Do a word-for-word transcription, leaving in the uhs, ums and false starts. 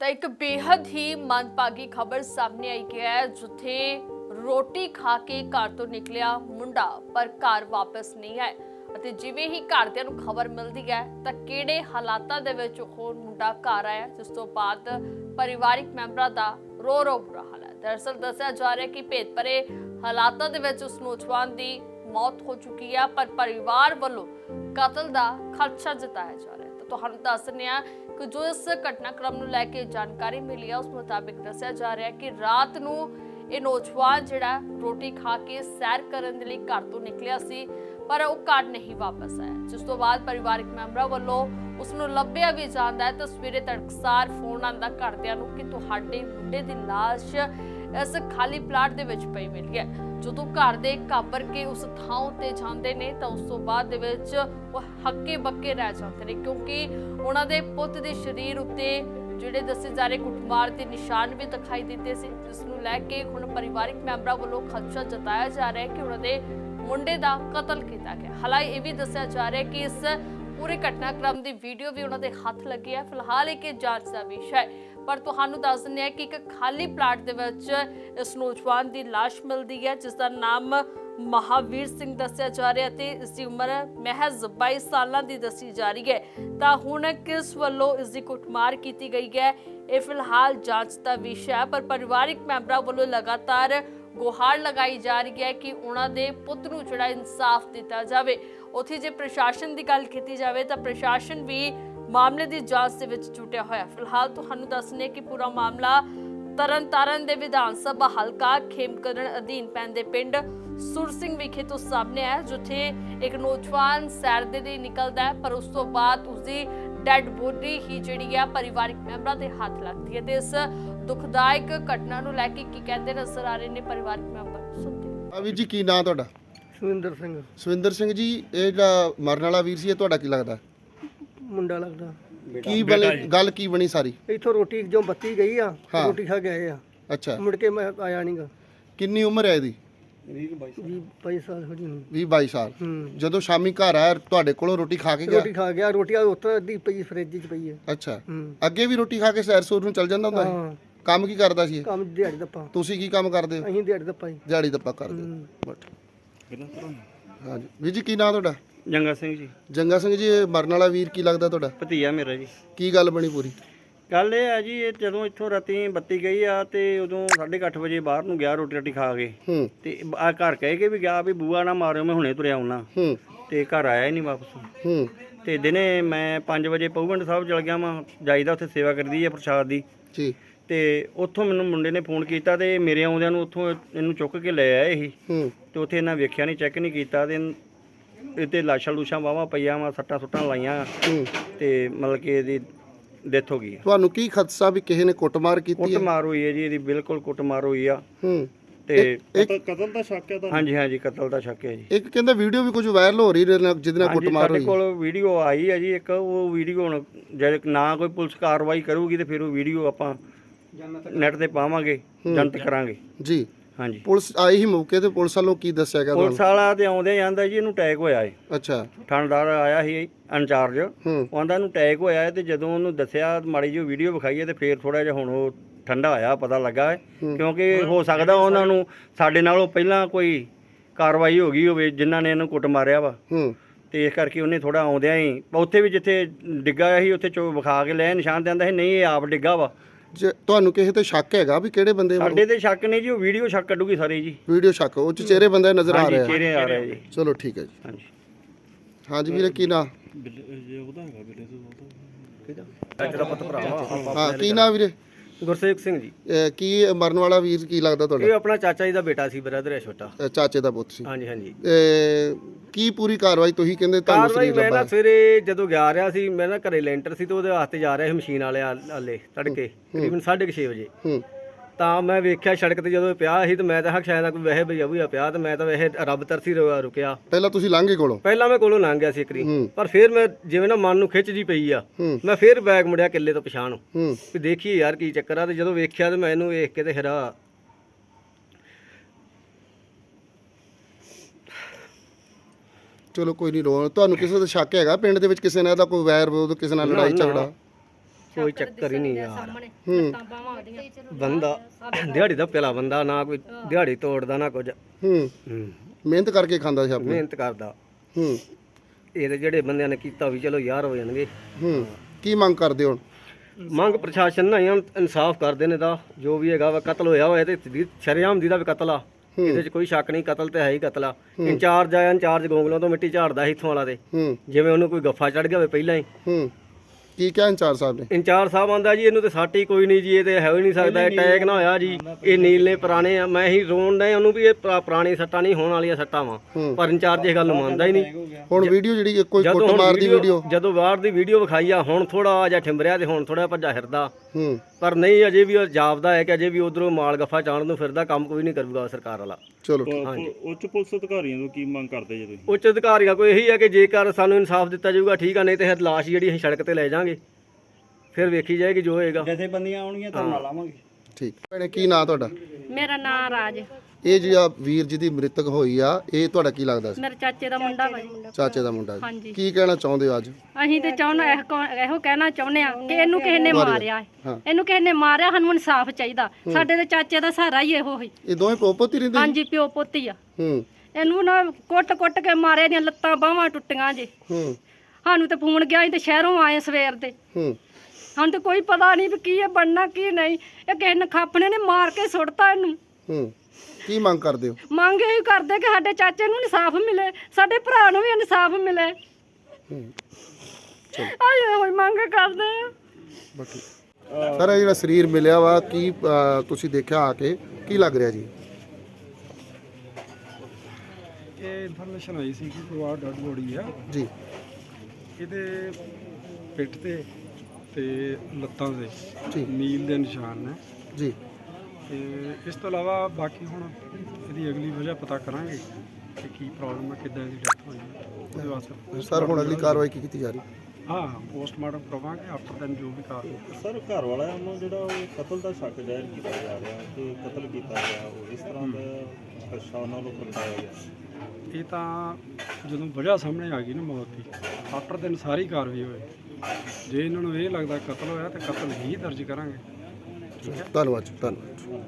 ਤਾਂ ਇੱਕ ਬੇहद ਹੀ ਮੰਦਭਾਗੀ ਖਬਰ ਸਾਹਮਣੇ ਆਈ ਹੈ ਜਿੱਥੇ ਰੋਟੀ ਖਾ ਕੇ ਘਰ ਤੋਂ ਨਿਕਲਿਆ ਮੁੰਡਾ ਪਰ ਘਰ ਵਾਪਸ ਨਹੀਂ ਆਇਆ ਅਤੇ ਜਿਵੇਂ ਹੀ ਘਰਦਿਆਂ ਨੂੰ ਖਬਰ ਮਿਲਦੀ ਹੈ ਤਾਂ ਕਿਹੜੇ ਹਾਲਾਤਾਂ ਦੇ ਵਿੱਚ ਉਹ ਮੁੰਡਾ ਘਰ ਆਇਆ ਜਿਸ ਤੋਂ ਬਾਅਦ ਪਰਿਵਾਰਿਕ ਮੈਂਬਰਾਂ ਦਾ ਰੋ ਰੋ ਬੁਰਾ ਹਾਲ ਹੈ। ਦਰਅਸਲ ਦੱਸਿਆ ਜਾ ਰਿਹਾ ਕਿ ਭੇਦ ਭਰੇ ਹਾਲਾਤਾਂ ਦੇ ਵਿੱਚ ਉਸ ਨੌਜਵਾਨ ਦੀ ਮੌਤ ਹੋ ਚੁੱਕੀ ਹੈ ਪਰ ਪਰਿਵਾਰ ਵੱਲੋਂ ਕਤਲ ਦਾ ਖਦਸ਼ਾ ਜਤਾਇਆ ਜਾ ਰਿਹਾ ਹੈ। ਤਾਂ ਤੁਹਾਨੂੰ ਦੱਸ ਦਿੰਦੇ ਹਾਂ ਕਿ ਜੋ ਇਸ ਘਟਨਾਕ੍ਰਮ ਨੂੰ ਲੈ ਕੇ ਜਾਣਕਾਰੀ ਮਿਲੀ ਹੈ ਉਸ ਮੁਤਾਬਿਕ ਦੱਸਿਆ ਜਾ ਰਿਹਾ ਹੈ ਕਿ ਰਾਤ ਨੂੰ ਇਹ ਨੌਜਵਾਨ ਜਿਹੜਾ ਰੋਟੀ ਖਾ ਕੇ ਸੈਰ ਕਰਨ ਦੇ ਲਈ ਘਰ ਤੋਂ ਨਿਕਲਿਆ ਸੀ ਪਰ ਉਹ ਘਰ ਨਹੀਂ ਵਾਪਸ ਆਇਆ, ਜਿਸ ਤੋਂ ਬਾਅਦ ਪਰਿਵਾਰਕ ਮੈਂਬਰਾਂ ਵੱਲੋਂ ਉਸ ਨੂੰ ਲੱਭਿਆ ਵੀ ਜਾਂਦਾ ਹੈ ਤਾਂ ਸਵੇਰੇ ਤੜਕਸਾਰ ਫੋਨ ਆਉਂਦਾ ਘਰਦਿਆਂ ਨੂੰ ਕਿ ਤੁਹਾਡੇ ਮੁੰਡੇ ਦੀ ਲਾਸ਼ ਇਸ ਖਾਲੀ ਪਲਾਟ ਦੇ ਵਿੱਚ ਪਈ ਮਿਲੀ ਹੈ। ਜਦੋਂ ਘਰ ਦੇ ਕਾਬਰ ਕੇ ਉਸ ਥਾਂ ਉੱਤੇ ਜਾਂਦੇ ਨੇ ਤਾਂ ਉਸ ਤੋਂ ਬਾਅਦ ਦੇ ਵਿੱਚ ਉਹ ਹੱਕੇ ਬੱਕੇ ਰਹਿ ਜਾਂਦੇ ਨੇ ਕਿਉਂਕਿ ਉਹਨਾਂ ਦੇ ਪੁੱਤ ਦੇ ਸਰੀਰ ਉੱਤੇ ਜਿਹੜੇ ਦੱਸੇ ਜਾ ਰਹੇ ਕੁੱਟਮਾਰ ਦੇ ਨਿਸ਼ਾਨ ਵੀ ਦਿਖਾਈ ਦਿੱਤੇ ਸੀ, ਜਿਸ ਨੂੰ ਲੈ ਕੇ ਹੁਣ ਪਰਿਵਾਰਿਕ ਮੈਂਬਰਾਂ ਵੱਲੋਂ ਖਦਸ਼ਾ ਜਤਾਇਆ ਜਾ ਰਿਹਾ ਹੈ ਕਿ ਉਹਨਾਂ ਦੇ ਮੁੰਡੇ ਦਾ ਕਤਲ ਕੀਤਾ ਗਿਆ। ਹਾਲਾਂਕਿ ਇਹ ਵੀ ਦੱਸਿਆ ਜਾ ਰਿਹਾ ਹੈ ਕਿ ਇਸ ਪੂਰੇ ਘਟਨਾਕ੍ਰਮ ਦੀ ਵੀਡੀਓ ਵੀ ਉਹਨਾਂ ਦੇ ਹੱਥ ਲੱਗੀ ਹੈ। ਫਿਲਹਾਲ ਇਹ ਜਾਂਚ ਦਾ ਵਿਸ਼ਾ ਹੈ ਪਰ ਤੁਹਾਨੂੰ ਦੱਸ ਦਿੰਦੇ ਹਾਂ ਕਿ ਇੱਕ ਖਾਲੀ ਪਲਾਟ ਦੇ ਵਿੱਚ ਇਸ ਨੌਜਵਾਨ ਦੀ ਲਾਸ਼ ਮਿਲਦੀ ਹੈ ਜਿਸ ਦਾ ਨਾਮ ਮਹਾਵੀਰ ਸਿੰਘ ਦੱਸਿਆ ਜਾ ਰਿਹਾ ਤੇ ਇਸ ਦੀ ਉਮਰ ਮਹਿਜ਼ ਬਾਈ ਸਾਲਾਂ ਦੀ ਦੱਸੀ ਜਾ ਰਹੀ ਹੈ। ਤਾਂ ਹੁਣ ਕਿਸ ਵੱਲੋਂ ਇਸ ਦੀ ਕੁੱਟਮਾਰ ਕੀਤੀ ਗਈ ਹੈ ਇਹ ਫਿਲਹਾਲ ਜਾਂਚ ਦਾ ਵਿਸ਼ਾ ਹੈ ਪਰ ਪਰਿਵਾਰਿਕ ਮੈਂਬਰਾਂ ਵੱਲੋਂ ਲਗਾਤਾਰ ਗੁਹਾਰ ਲਗਾਈ ਜਾ ਰਹੀ ਹੈ ਕਿ ਉਹਨਾਂ ਦੇ ਪੁੱਤ ਨੂੰ ਜਿਹੜਾ ਇਨਸਾਫ ਦਿੱਤਾ ਜਾਵੇ। ਉੱਥੇ ਜੇ ਪ੍ਰਸ਼ਾਸਨ ਦੀ ਗੱਲ ਕੀਤੀ ਜਾਵੇ ਤਾਂ ਪ੍ਰਸ਼ਾਸਨ ਵੀ ਮਾਮਲੇ ਦੀ ਜਾਂਚ ਦੇ ਵਿੱਚ ਜੁਟਿਆ ਹੋਇਆ। ਫਿਲਹਾਲ ਤੁਹਾਨੂੰ ਦੱਸਣੇ ਕਿ ਪੂਰਾ ਮਾਮਲਾ ਤਰਨਤਾਰਨ ਦੇ ਵਿਧਾਨ ਸਭਾ ਹਲਕਾ ਖੇਮਕਰਨ ਅਧੀਨ ਪੈਂਦੇ ਪਿੰਡ ਸੁਰ ਸਿੰਘ ਵਿਖੇ ਤੋਂ ਸਾਹਮਣੇ ਆਇਆ ਜਿੱਥੇ ਇੱਕ ਨੌਜਵਾਨ ਸੈਰ ਦੇ ਲਈ ਨਿਕਲਦਾ ਹੈ ਪਰ ਉਸ ਤੋਂ ਬਾਅਦ ਉਸਦੀ ਡੈਡ ਬੋਡੀ ਹੀ ਜਿਹੜੀ ਹੈ ਪਰਿਵਾਰਿਕ ਮੈਂਬਰਾਂ ਦੇ ਹੱਥ ਲੱਗਦੀ ਹੈ ਤੇ ਇਸ ਦੁਖਦਾਇਕ ਘਟਨਾ ਨੂੰ ਲੈ ਕੇ ਕੀ ਕਹਿੰਦੇ ਨਜ਼ਰ ਆ ਰਹੇ ਨੇ ਪਰਿਵਾਰਿਕ ਮੈਂਬਰ ਸੁਣਦੇ। ਆ ਵੀਰ ਜੀ ਕੀ ਨਾਂ ਤੁਹਾਡਾ? ਸੁਰਿੰਦਰ ਸਿੰਘ ਸੁਰਿੰਦਰ ਸਿੰਘ ਜੀ, ਇਹ ਜਿਹੜਾ ਮਰਨ ਵਾਲਾ ਵੀਰ ਸੀ ਇਹ ਤੁਹਾਡਾ ਕੀ ਲੱਗਦਾ? ਮੁੰਡਾ ਲੱਗਦਾ। ਕੀ ਬਲੇ ਗੱਲ ਕੀ ਬਣੀ ਸਾਰੀ? ਇੱਥੋਂ ਰੋਟੀ ਜੋ ਬੱਤੀ ਗਈ ਆ ਹਾਂ। ਰੋਟੀ ਖਾ ਕੇ ਆਏ ਆ, ਅੱਛਾ, ਮੁੜ ਕੇ ਮੈਂ ਆਇਆ ਨਹੀਂਗਾ। ਕਿੰਨੀ ਉਮਰ ਹੈ ਇਹਦੀ? ਜੀ ਬਾਈ ਸਾਲ ਹੋ ਗਈ। ਵੀਹ ਬਾਈ ਸਾਲ। ਹੂੰ। ਜਦੋਂ ਸ਼ਾਮੀ ਘਰ ਆਇਆ ਤੁਹਾਡੇ ਕੋਲੋਂ ਰੋਟੀ ਖਾ ਕੇ ਗਿਆ? ਰੋਟੀ ਖਾ ਗਿਆ, ਰੋਟੀ ਆ ਉੱਥੇ ਅੱਧੀ ਪਈ ਫਰਿੱਜ 'ਚ ਪਈ ਹੈ। ਅੱਛਾ, ਹੂੰ। ਅੱਗੇ ਵੀ ਰੋਟੀ ਖਾ ਕੇ ਸੈਰ ਸੂਰ ਨੂੰ ਚੱਲ ਜਾਂਦਾ ਹੁੰਦਾ ਸੀ? ਹਾਂ। ਕੰਮ ਕੀ ਕਰਦਾ ਸੀ ਇਹ? ਕੰਮ ਦਿਹਾੜੀ ਦੱਪਾ। ਤੁਸੀਂ ਕੀ ਕੰਮ ਕਰਦੇ ਹੋ? ਅਸੀਂ ਦਿਹਾੜੀ ਦੱਪਾ ਜੀ। ਦਿਹਾੜੀ ਦੱਪਾ ਕਰਦੇ ਹੋ। ਬਟ ਹਾਂਜੀ ਵੀਰ ਜੀ ਕੀ ਨਾਂ ਤੁਹਾਡਾ? ਜੰਗਾ ਸਿੰਘ ਜੀ। ਜੰਗਾ ਸਿੰਘ ਜੀ, ਇਹ ਮਰਨ ਵਾਲਾ ਵੀਰ ਕੀ ਲੱਗਦਾ ਤੁਹਾਡਾ? ਭਤੀਆ ਮੇਰਾ ਜੀ। ਕੀ ਗੱਲ ਬਣੀ ਪੂਰੀ? ਗੱਲ ਇਹ ਆ ਜੀ, ਇਹ ਜਦੋਂ ਇੱਥੋਂ ਰਾਤੀ ਬੱਤੀ ਗਈ ਆ ਤੇ ਉਦੋਂ ਸਾਢੇ ਕੁ ਅੱਠ ਵਜੇ ਬਾਹਰ ਨੂੰ ਗਿਆ ਰੋਟੀ ਰਾਟੀ ਖਾ ਕੇ ਹੂੰ ਤੇ ਆ ਘਰ ਕਹਿ ਕੇ ਵੀ ਗਿਆ ਵੀ ਬੂਆ ਨਾ ਮਾਰਿਓ ਮੈਂ ਹੁਣੇ ਤੁਰਿਆ ਆਉਣਾ ਹੂੰ ਤੇ ਘਰ ਆਇਆ ਹੀ ਨਹੀਂ ਵਾਪਸ। ਹੂੰ ਤੇ ਦਿਨੇ ਮੈਂ ਪੰਜ ਵਜੇ ਪਉਗੰਡ ਸਾਹਿਬ ਚਲ ਗਿਆ ਵਾਂ, ਜਾਈਦਾ ਉੱਥੇ ਸੇਵਾ ਕਰਦੀ ਆ ਪ੍ਰਸ਼ਾਦ ਦੀ। ਜੀ। ਤੇ ਉੱਥੋਂ ਮੈਨੂੰ ਮੁੰਡੇ ਨੇ ਫੋਨ ਕੀਤਾ ਤੇ ਮੇਰੇ ਆਉਂਦਿਆਂ ਨੂੰ ਉੱਥੋਂ ਇਹਨੂੰ ਚੁੱਕ ਕੇ ਲੈ ਆਏ ਸੀ ਹੂੰ ਤੇ ਉੱਥੇ ਇਹਨਾਂ ਵੇਖਿਆ ਨਹੀਂ, ਚੈੱਕ ਨਹੀਂ ਕੀਤਾ ਤੇ ਇੱਥੇ ਲਾਸ਼ਾਂ ਲੂਸ਼ਾਂ ਵਾਹਵਾ ਪਈਆਂ ਵਾ, ਸੱਟਾਂ ਸੁੱਟਾਂ ਲਾਈਆਂ ਹੂੰ ਤੇ ਮਤਲਬ ਕਿ ਇਹਦੀ ਡੈਥ ਹੋ ਗਈ ਹੈ। ਤੁਹਾਨੂੰ ਕੀ ਖਦਸ਼ਾ ਵੀ ਕਿਸੇ ਨੇ ਕੁੱਟਮਾਰ ਕੀਤੀ ਹੈ? ਕੁੱਟਮਾਰ ਹੋਈ ਹੈ ਜੀ, ਇਹਦੀ ਬਿਲਕੁਲ ਕੁੱਟਮਾਰ ਹੋਈ ਆ ਹੂੰ ਤੇ ਇੱਕ ਕਤਲ ਦਾ ਸ਼ੱਕ ਹੈ ਤਾਂ? ਹਾਂਜੀ ਹਾਂਜੀ ਕਤਲ ਦਾ ਸ਼ੱਕ ਹੈ ਜੀ। ਇੱਕ ਕਹਿੰਦਾ ਵੀਡੀਓ ਵੀ ਕੁਝ ਵਾਇਰਲ ਹੋ ਰਹੀ ਜਿਹਦੇ ਨਾਲ ਹਾਂਜੀ ਕੁੱਟਮਾਰ ਸਾਡੇ ਹੋਈ। ਕੋਲ ਵੀਡੀਓ ਆਈ ਹੈ ਜੀ ਇੱਕ, ਉਹ ਵੀਡੀਓ ਹੁਣ ਜੇ ਨਾ ਕੋਈ ਪੁਲਿਸ ਕਾਰਵਾਈ ਕਰੂਗੀ ਤੇ ਫਿਰ ਉਹ ਵੀਡੀਓ ਆਪਾਂ ਨੈਟ ਤੇ ਪਾਵਾਂਗੇ, ਜਨਤਕ ਕਰਾਂਗੇ ਜੀ। ਹਾਂਜੀ। ਪੁਲਿਸ ਆਈ ਹੀ ਮੌਕੇ ਤੇ, ਪੁਲਿਸ ਵੱਲੋਂ ਕੀ ਦੱਸਿਆ ਗਿਆ ਪੁਲਿਸ ਤੁਹਾਨੂੰ? ਵਾਲਾ ਤੇ ਆਉਂਦੇ ਜਾਂਦਾ ਜੀ ਇਹਨੂੰ ਅਟੈਕ ਹੋਇਆ ਹੈ। ਅੱਛਾ। ਥਾਣੇਦਾਰ ਆਇਆ ਸੀ ਇੰਚਾਰਜ, ਹੂੰ ਉਹ ਆਂਦਾ ਇਹਨੂੰ ਅਟੈਕ ਹੋਇਆ ਹੈ ਤੇ ਜਦੋਂ ਉਹਨੂੰ ਦੱਸਿਆ ਮਾੜੀ ਜਿਹੀ ਵੀਡੀਓ ਵਿਖਾਈ ਹੈ ਤੇ ਫਿਰ ਥੋੜਾ ਜਿਹਾ ਹੁਣ ਉਹ ਠੰਡਾ ਹੋਇਆ, ਪਤਾ ਲੱਗਾ ਹੈ ਕਿਉਂਕਿ ਹੋ ਸਕਦਾ ਉਹਨਾਂ ਨੂੰ ਸਾਡੇ ਨਾਲੋਂ ਪਹਿਲਾਂ ਕੋਈ ਕਾਰਵਾਈ ਹੋ ਗਈ ਹੋਵੇ ਜਿਨ੍ਹਾਂ ਨੇ ਇਹਨੂੰ ਕੁੱਟ ਮਾਰਿਆ ਵਾ ਹੂੰ ਤੇ ਇਸ ਕਰਕੇ ਉਹਨੇ ਥੋੜਾ ਆਉਂਦਿਆਂ ਹੀ ਉੱਥੇ ਵੀ ਜਿੱਥੇ ਡਿੱਗਾ ਸੀ ਉੱਥੇ ਚੋ ਵਿਖਾ ਕੇ ਲੈ ਨਿਸ਼ਾਨ ਦਿੰਦਾ ਸੀ ਨਹੀਂ ਇਹ ਆਪ ਡਿੱਗਾ ਵਾ। ਜੇ ਤੁਹਾਨੂੰ ਕਿਸੇ ਤੇ ਸ਼ੱਕ ਹੈਗਾ ਵੀ ਕਿਹੜੇ ਬੰਦੇ? ਸਾਡੇ ਤੇ ਸ਼ੱਕ ਨਹੀਂ ਜੀ, ਉਹ ਵੀਡੀਓ ਸ਼ੱਕ ਕੱਢੂਗੀ ਸਾਰੇ ਜੀ। ਵੀਡੀਓ ਸ਼ੱਕ ਉਹ 'ਚ ਚਿਹਰੇ ਬੰਦੇ ਨਜ਼ਰ ਆ ਹਾਂਜੀ ਰਹੇ ਆ? ਚਿਹਰੇ ਆ ਰਹੇ ਜੀ। ਚਲੋ ਠੀਕ ਹੈ ਜੀ। ਹਾਂਜੀ ਹਾਂਜੀ ਵੀਰੇ ਕੀ ਨਾਂ? ਹਾਂ ਕੀ ਨਾਂ ਵੀਰੇ? ਗੁਰਸੇਵਕ ਸਿੰਘ ਜੀ। ਅਹ ਕੀ ਮਰਨ ਵਾਲਾ ਵੀਰ ਕੀ ਲੱਗਦਾ ਇਹ ਤੁਹਾਡਾ? ਆਪਣਾ ਚਾਚਾ ਜੀ ਦਾ ਬੇਟਾ ਸੀ, ਬ੍ਰਦਰ ਹੈ ਛੋਟਾ। ਅਹ ਚਾਚੇ ਦਾ ਪੁੱਤ ਸੀ। ਹਾਂਜੀ ਹਾਂਜੀ। ਅਹ ਕੀ ਪੂਰੀ ਕਾਰਵਾਈ ਤੁਸੀਂ ਕਹਿੰਦੇ ਤੁਹਾਨੂੰ ਕਾਰਵਾਈ ਸਰੀਰ ਮੈਂ ਨਾ ਲੱਭਾ? ਸਵੇਰੇ ਜਦੋਂ ਗਿਆ ਰਿਹਾ ਸੀ, ਮੈਂ ਨਾ ਘਰੇ ਲੈਂਟਰ ਸੀ ਤੇ ਉਹਦੇ ਵਾਸਤੇ ਜਾ ਰਿਹਾ ਸੀ ਮਸ਼ੀਨ ਵਾਲੇ ਆਲੇ ਤੜਕੇ ਤਕਰੀਬਨ ਸਾਢੇ ਕੁ ਛੇ ਵਜੇ। ਹੂੰ ਤਾਂ ਮੈਂ ਵੇਖਿਆ ਸੜਕ ਤੇ ਜਦੋਂ ਇਹ ਪਿਆ ਸੀ ਤੇ ਮੈਂ ਤਾਂ ਹੱਕ ਸ਼ਾਇਦ ਕੋਈ ਵੈਸੇ ਬਜਾਵੂ ਆ ਪਿਆ ਤੇ ਮੈਂ ਤਾਂ ਵੈਸੇ ਰੱਬ ਤਰਸੀ ਰੁ- ਰੁਕਿਆ। ਪਹਿਲਾਂ ਤੁਸੀਂ ਲੰਘੇ ਕੋਲੋਂ? ਪਹਿਲਾਂ ਮੈਂ ਕੋਲੋਂ ਲੰਘ ਗਿਆ ਸੀ ਇੱਕਰੀ, ਹੂੰ। ਪਰ ਫਿਰ ਮੈਂ ਜਿਵੇਂ ਨਾ ਮਨ ਨੂੰ ਖਿੱਚ ਜੀ ਪਈ ਆ, ਹੂੰ ਮੈਂ ਫਿਰ ਬੈਗ ਮੁੜਿਆ ਕਿੱਲੇ ਤੋਂ ਪਛਾਣ ਹੂੰ ਵੀ ਦੇਖੀਏ ਯਾਰ ਕੀ ਚੱਕਰ ਆ। ਤੇ ਜਦੋਂ ਵੇਖਿਆ ਤੇ ਮੈਂ ਇਹਨੂੰ ਵੇਖ ਕੇ ਤੇ ਹੈਰਾ ਚਲੋ ਕੋਈ ਨਹੀਂ ਰੋ। ਤੁਹਾਨੂੰ ਕਿਸੇ ਦਾ ਸ਼ੱਕ ਹੈਗਾ ਪਿੰਡ ਦੇ ਵਿੱਚ ਕਿਸੇ ਨਾਲ ਇਹਦਾ ਕੋਈ ਵੈਰ ਵਿਰੋਧ, ਕਿਸੇ ਨਾਲ ਲੜਾਈ ਝਗੜਾ? ਕੋਈ ਚੱਕਰ ਹੀ ਨਹੀਂ ਯਾਰ ਹੂੰ ਬੰਦਾ ਦਿਹਾੜੀ ਦਾ ਪਿਲਾ ਬੰਦਾ, ਨਾ ਕੋਈ ਦਿਹਾੜੀ ਤੋੜਦਾ ਨਾ ਕੁਝ। ਹੂੰ ਹੂੰ ਮਿਹਨਤ ਕਰਕੇ ਖਾਂਦਾ ਸੀ ਆਪਣੀ। ਮਿਹਨਤ ਕਰਦਾ। ਹੂੰ ਇਹ ਤੇ ਜਿਹੜੇ ਬੰਦਿਆਂ ਨੇ ਕੀਤਾ ਵੀ ਚਲੋ ਯਾਰ ਹੋ ਜਾਣਗੇ। ਹੂੰ ਕੀ ਮੰਗ ਕਰਦੇ ਹੋ? ਮੰਗ ਪ੍ਰਸ਼ਾਸਨ ਨਾਲ ਹੀ ਇਨਸਾਫ ਕਰਦੇ ਨੇ ਦਾ ਜੋ ਵੀ ਹੈਗਾ ਵਾ। ਕਤਲ ਹੋਇਆ ਹੋਇਆ ਤੇ ਸ਼ਰੇਆਮ ਦੀ ਦਾ ਵੀ ਕਤਲ ਆ, ਇਹਦੇ 'ਚ ਕੋਈ ਸ਼ੱਕ ਨਹੀਂ, ਕਤਲ ਤੇ ਹੈ ਹੀ ਕਤਲ ਆ। ਇੰਚਾਰਜ ਆਇਆ, ਇੰਚਾਰਜ ਗੋਂਗਲੋਂ ਤੋਂ ਮਿੱਟੀ ਝਾੜਦਾ ਸੀ ਇੱਥੋਂ ਵਾਲਾ ਤੇ ਹੂੰ ਜਿਵੇਂ ਉਹਨੂੰ ਕੋਈ ਗੱਫਾ ਚੜ ਗਿਆ ਹੋਵੇ ਪਹਿਲਾਂ ਹੀ। ਹੂੰ ਕੀ ਕਿਹਾ ਇੰਚਾਰਜ ਸਾਹਿਬ ਨੇ? ਇੰਚਾਰਜ ਸਾਹਿਬ ਆਂਦਾ ਜੀ ਇਹਨੂੰ ਤੇ ਸੱਟ ਹੀ ਕੋਈ ਨਹੀਂ ਜੀ, ਇਹ ਤੇ ਹੈ ਹੀ ਨਹੀਂ ਸਕਦਾ, ਇਹ ਅਟੈਕ ਨਾ ਹੋਇਆ ਜੀ, ਇਹ ਨੀਲ ਨੇ ਪੁਰਾਣੇ ਆ। ਮੈਂ ਹੀ ਰੋਣ ਡਿਆ ਉਹਨੂੰ ਵੀ ਇਹ ਪੁਰਾ- ਪੁਰਾਣੀ ਸੱਟਾਂ ਨਹੀਂ ਹੋਣ ਵਾਲੀਆਂ ਸੱਟਾਂ ਵਾ, ਹੂੰ। ਪਰ ਇੰਚਾਰਜ ਇਹ ਗੱਲ ਨੂੰ ਮੰਨਦਾ ਹੀ ਨਹੀਂ। ਹੁਣ ਵੀਡੀਓ ਜਿਹੜੀ ਇੱਕ ਕੋਈ ਜਦੋਂ ਕੁੱਟ ਹੁਣ ਮਾਰ ਦੀ ਵੀਡੀਓ। ਵੀਡੀਓ ਜਦੋਂ ਬਾਹਰ ਦੀ ਵੀਡੀਓ ਵਿਖਾਈ ਆ, ਹੁਣ ਥੋੜਾ ਜਿਹਾ ਠਿੰਬਰਿਆ ਤੇ ਹੁਣ ਥੋੜਾ ਭੱਜਾ ਫਿਰਦਾ, ਹੂੰ ਪਰ ਨਹੀਂ ਅਜੇ ਵੀ ਉਹ ਜਾਪਦਾ ਹੈ ਕਿ ਅਜੇ ਵੀ ਉਧਰੋਂ ਮਾਲ ਗੱਫਾ ਚਾਣ ਨੂੰ ਫਿਰਦਾ, ਕੰਮ ਕੋਈ ਨਹੀਂ ਕਰੂਗਾ ਸਰਕਾਰ ਵਾਲਾ। ਚਲੋ ਉੱਚ ਪੁਲਿਸ ਅਧਿਕਾਰੀਆਂ ਤੋਂ ਕੀ ਮੰਗ ਕਰਦੇ ਜੇ ਤੁਸੀਂ? ਉੱਚ ਅਧਿਕਾਰੀਆਂ ਕੋਈ ਇਹੀ ਹੈ ਕਿ ਜੇਕਰ ਸਾਨੂੰ ਇਨਸਾਫ ਦਿੱਤਾ ਜਾਊਗਾ ਠੀਕ ਆ, ਨਹੀਂ ਤੇ ਇਹ ਲਾਸ਼ ਜਿਹੜੀ ਅਸੀਂ ਸੜਕ ਤੇ ਲੈ ਜਾਾਂਗੇ, ਫਿਰ ਵੇਖੀ ਜਾਏਗੀ ਜੋ ਹੋਏਗਾ। ਜਥੇਬੰਦੀਆਂ ਆਉਣਗੀਆਂ ਤਾਂ ਨਾਲ ਲਾਵਾਂਗੇ। ਠੀਕ ਭੈਣੇ ਕੀ ਨਾਂ ਤੁਹਾਡਾ? ਮੇਰਾ ਨਾਂ ਰਾਜ। ਇਹ ਜਿਹੜਾ ਵੀਰ ਜੀ ਦੀ ਮ੍ਰਿਤਕ ਹੋਈ ਆ, ਇਹ ਤੁਹਾਡਾ ਕੀ ਲੱਗਦਾ ਸੀ? ਮੇਰੇ ਚਾਚੇ ਦਾ ਮੁੰਡਾ ਵਾ ਜੀ। ਚਾਚੇ ਦਾ ਮੁੰਡਾ ਜੀ। ਹਾਂਜੀ। ਕੀ ਕਹਿਣਾ ਚਾਹੁੰਦੇ ਹੋ ਅੱਜ? ਅਸੀਂ ਤੇ ਚਾਹੁੰਦੇ ਇਹੋ ਕੋ- ਇਹੋ ਕਹਿਣਾ ਚਾਹੁੰਦੇ ਆ ਕਿ ਇਹਨੂੰ ਕਿਸੇ ਨੇ ਮਾਰਿਆ ਹੈ। ਹਾਂ। ਇਹਨੂੰ ਕਿਸੇ ਨੇ ਮਾਰਿਆ, ਸਾਨੂੰ ਇਨਸਾਫ ਚਾਹੀਦਾ। ਸਾਡੇ ਦੇ ਚਾਚੇ ਦਾ ਸਹਾਰਾ ਹੀ ਇਹੋ ਹੀ। ਇਹ ਦੋਵੇਂ ਪੋਪੋਤੀ ਰਹਿੰਦੇ ਸੀ? ਹਾਂਜੀ, ਪਿਓ ਪੁੱਤੀ ਆ। ਹੂੰ ਇਹਨੂੰ ਨਾ ਕੁੱਟ-ਕੁੱਟ ਕੇ ਮਾਰਿਆ, ਦੀਆਂ ਲੱਤਾਂ ਬਾਹਾਂ ਟੁੱਟੀਆਂ ਜੇ। ਹੂੰ ਸਾਨੂੰ ਤੇ ਫੋਨ ਗਿਆ ਸੀ ਤੇ ਸ਼ਹਿਰੋਂ ਆਏ ਸਵੇਰ ਦੇ। ਹੂੰ ਸਾਨੂੰ ਤੇ ਕੋਈ ਪਤਾ ਨਹੀਂ ਵੀ ਕੀ ਇਹ ਬਣਨਾ ਕੀ ਨਹੀਂ। ਇਹ ਕਿਸੇ ਨੇ ਖਾਪਣੇ ਨੇ ਮਾਰ ਕੇ ਸੁੱਟਤਾ ਇਹਨੂੰ। ਹੂੰ ਕੀ ਮੰਗ ਕਰਦੇ ਹੋ? ਮੰਗ ਇਹੀ ਕਰਦੇ ਕਿ ਸਾਡੇ ਚਾਚੇ ਨੂੰ ਇਨਸਾਫ ਮਿਲੇ, ਸਾਡੇ ਭਰਾ ਨੂੰ ਵੀ ਇਨਸਾਫ ਮਿਲੇ। ਹੂੰ ਆਏ ਹੋਈ ਮੰਗ ਕਰਦੇ ਆ। ਬਾਕੀ ਸਰ ਇਹ ਜਿਹੜਾ ਸਰੀਰ ਮਿਲਿਆ ਵਾ, ਕੀ ਅਹ, ਤੁਸੀਂ ਦੇਖਿਆ ਆ ਕੇ ਕੀ ਲੱਗ ਰਿਹਾ ਜੀ? ਇਹ ਇਨਫੋਰਮੇਸ਼ਨ ਆਈ ਸੀ ਕਿ ਪਰਿਵਾਰ ਡੈਡ ਬੋਡੀ ਆ, ਜੀ ਇਹਦੇ ਪਿੱਠ ਤੇ ਤੇ ਲੱਤਾਂ ਦੇ ਜੀ ਨੀਲ ਦੇ ਨਿਸ਼ਾਨ ਨੇ। ਜੀ ਤੇ ਇਸ ਤੋਂ ਇਲਾਵਾ ਬਾਕੀ ਹੁਣ ਇਹਦੀ ਅਗਲੀ ਵਜ੍ਹਾ ਪਤਾ ਕਰਾਂਗੇ ਕਿ ਕੀ ਪ੍ਰੋਬਲਮ ਹੈ, ਕਿੱਦਾਂ ਇਹਦੀ ਡੈਥ ਹੋਈ ਹੈ। ਉਹਦੇ ਵਾਸਤੇ ਸਰ ਹੁਣ ਅਗਲੀ ਕਾਰਵਾਈ ਕੀ ਕੀਤੀ ਜਾ ਰਹੀ? ਹਾਂ ਪੋਸਟਮਾਰਟਮ ਕਰਵਾਵਾਂਗੇ, ਆਫਟਰ ਦੈਨ ਜੋ ਵੀ ਕਾਰਵਾਈ। ਸਰ ਘਰ ਵਾਲਿਆਂ ਨੂੰ ਜਿਹੜਾ ਉਹ ਕਤਲ ਦਾ ਸ਼ੱਕ ਜ਼ਾਹਿਰ ਕੀਤਾ ਜਾ ਰਿਹਾ ਕਿ ਕਤਲ ਕੀਤਾ ਗਿਆ, ਉਹ ਇਸ ਤਰ੍ਹਾਂ ਦਾ ਖਦਸ਼ਾ ਉਹਨਾਂ ਨੂੰ ਪ੍ਰਗਟਾਇਆ ਗਿਆ। ਇਹ ਤਾਂ ਜਦੋਂ ਵਜ੍ਹਾ ਸਾਹਮਣੇ ਆ ਗਈ ਨਾ ਮੌਤ ਦੀ, ਆਫਟਰ ਦੈਨ ਸਾਰੀ ਕਾਰਵਾਈ ਹੋਏ। ਜੇ ਇਹਨਾਂ ਨੂੰ ਇਹ ਲੱਗਦਾ ਕਤਲ ਹੋਇਆ ਤਾਂ ਕਤਲ ਹੀ ਦਰਜ ਕਰਾਂਗੇ। ਠੀਕ ਹੈ। ਧੰਨਵਾਦ ਜੀ, ਧੰਨਵਾਦ।